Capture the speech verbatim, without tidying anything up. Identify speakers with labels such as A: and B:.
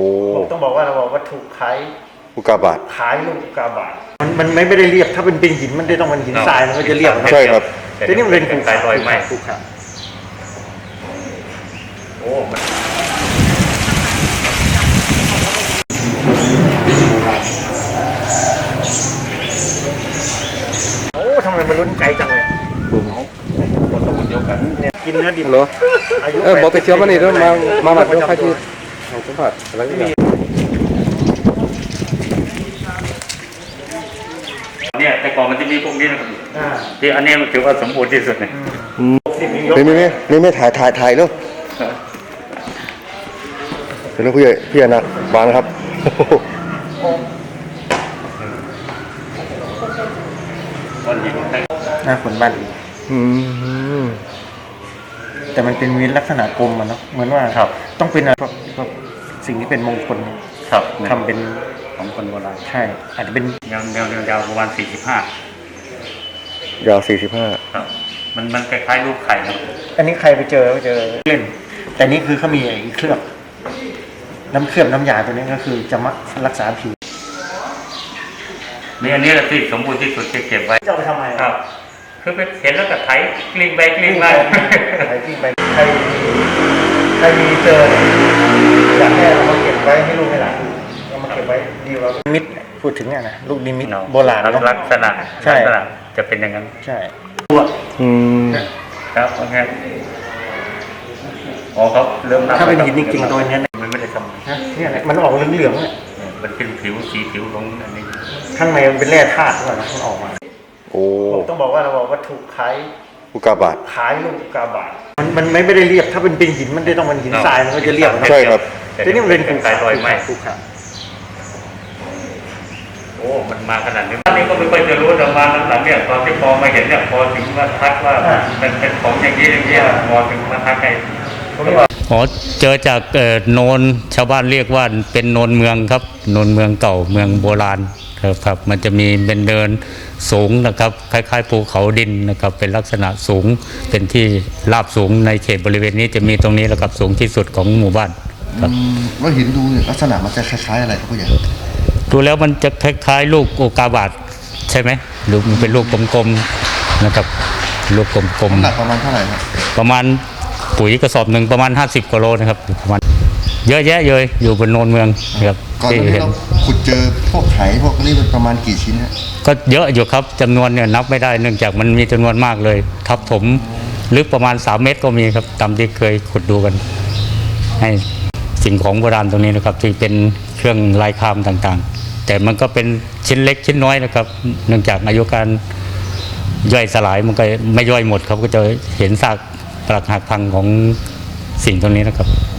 A: อ้
B: ต้องบอกว่าเราบอกวัตถุคล้าย
A: อุกกาบาต
B: คล้ายลูกอุกกาบาตมันมันไม่ได้เรียบถ้าเป็นเป็นหินมันได้ต้องเป็นหินทรายมันก็จะเรียบ
A: ใช่ครับ
B: แต่นี่มันเป็นภูเขาลอยไม้ภูเขาโอ้โอ้ทำไมมันลุ้นไกลจังเลยคนตะวันเดียวกันเนี่ยกินเนื้อดิบ
C: เหรอเออบอกไปเที่ยวมานี่ด้วยมามาบัดด้วยค่าที่ของสัมผัสอะไรนี่
D: เนี่ยแต่ก่อนมันจะมีพวกนี้นะครับที่อันนี้มันถือว่าสมบูรณ์ที่สุดเลย
A: ไม่ไม่ไม่ไม่ไม่ถ่ายถ่ายถ่ายเนาะเดี๋ยวพี่พี่อนันต์วางครับ
B: หน้าขนบ้านแต่มันเป็นวินลักษณะกลมมันเนาะเหมือนว่าต้องเป็นอะไรสิ่งที่เป็นมงคลทำเป็น
D: ของคนโบราณ
B: ใช่อาจจะเป็น
D: ยาวยาวยาวประมาณสี่สิบห้าย
A: าวสี่สิบห้า
D: ครับมันมันคล้ายๆรูปไข่นะ
B: อันนี้ใครไปเจอไปเจอเล่นแต่นี่คือเขามีไอ้เคลือบน้ำเคลือบน้ำยาตัวนี้ก็คือจะมารักษาผิว
D: นี่อันนี้แหละที่สมบูรณ์ที่สุดที่เก็บไว้
B: จะเอาไปทำไม
D: ครับคือไปเห็นแล้วก็ไถกลิ้งไปกลิ้งมา
B: ไถกลิ้งไปใครใครมีเจออยากให้เรามาเก็บไว้ให้ลูกให้หลานเรามาเก็บไว้ดีกว่ามิตรพูดถึงเนี่ยนะลูกนิมิตโบราณ
D: ลักษณะ
B: ใช่
D: จะเป็นอย่างนั้น
B: ใช่
A: อืม
D: ครับโอเคอ๋อเขาเริ่ม
B: ถ้าเป็นหินจริงๆตัวนี้
D: มันไม่ได้ทำ
B: เนี่ยมันออกเหลืองๆเนี่ย
D: มันเป็นผิวสีผิวลงอันนี้
B: ข้างในมันเป็นแร่ธาตุด้วยนะมันออกมา
A: โอ้
B: ต้องบอกว่าเราบอกวัตถุคล้าย
A: อุกกาบาต
B: คล้ายลูกอุกกาบาตมันมันไม่ได้เรียบถ้าเป็นเป็นหินมันได้ต้องเป็นหินทรายมันก็จะเรียบ
A: ใช่ครับ
B: แต่นี่มันเป็นภูเขาลอยไม้ภูเขา
D: โอ้มันมาขนาดนี้ตอนนี้ก็ไม่ค่อยจะรู้แต่มาหลังๆเนี่ยตอนที่พอมาเห็นเนี่ยพอถึงมาทักว่าเป็นเป็นของอย่างนี้อย่างนี้พอถึงมาทักให้อ๋อเจอจากโนนชาวบ้านเรียกว่าเป็นโนนเมืองครับโนนเมืองเก่าเมืองโบราณครับมันจะมีเป็นเดินสูงนะครับคล้ายๆภูเขาดินนะครับเป็นลักษณะสูงเป็นที่ราบสูงในเขตบริเวณนี้จะมีตรงนี้แหละครับสูงที่สุดของหมู่บ้านครับ
A: ว่าหินดูลักษณะมันจะคล้ายๆอะไรครับผู้ใหญ่
D: ดูแล้วมันจะคล้ายๆลูกอุกกาบาตใช่ไหมหรือมันเป็นลูกกลมๆนะครับลูกกลมๆ
A: หนักประมาณเท่าไหร่ครับ
D: ประมาณปุ๋ยกระสอบหนึ่งประมาณห้าสิบกิโลนะครับประมาณเยอะแยะเลยอยู่บนโนนเมืองครับ
A: ก่อนที่เราขุดเจอพวกไข่พวกนี้เป็นประมาณกี่ชิ้นฮะ
D: ก็เยอะอยู่ครับจำนวนเนี่ยนับไม่ได้เนื่องจากมันมีจำนวนมากเลยทับถมลึกประมาณสามเมตรก็มีครับตามที่เคยขุดดูกันให้สิ่งของโบราณตรงนี้นะครับที่เป็นเครื่องลายคามต่างๆแต่มันก็เป็นชิ้นเล็กชิ้นน้อยนะครับเนื่องจากอายุการย่อยสลายมันก็ไม่ย่อยหมดครับก็จะเห็นซากปรักหักพังของสิ่งตรงนี้นะครับ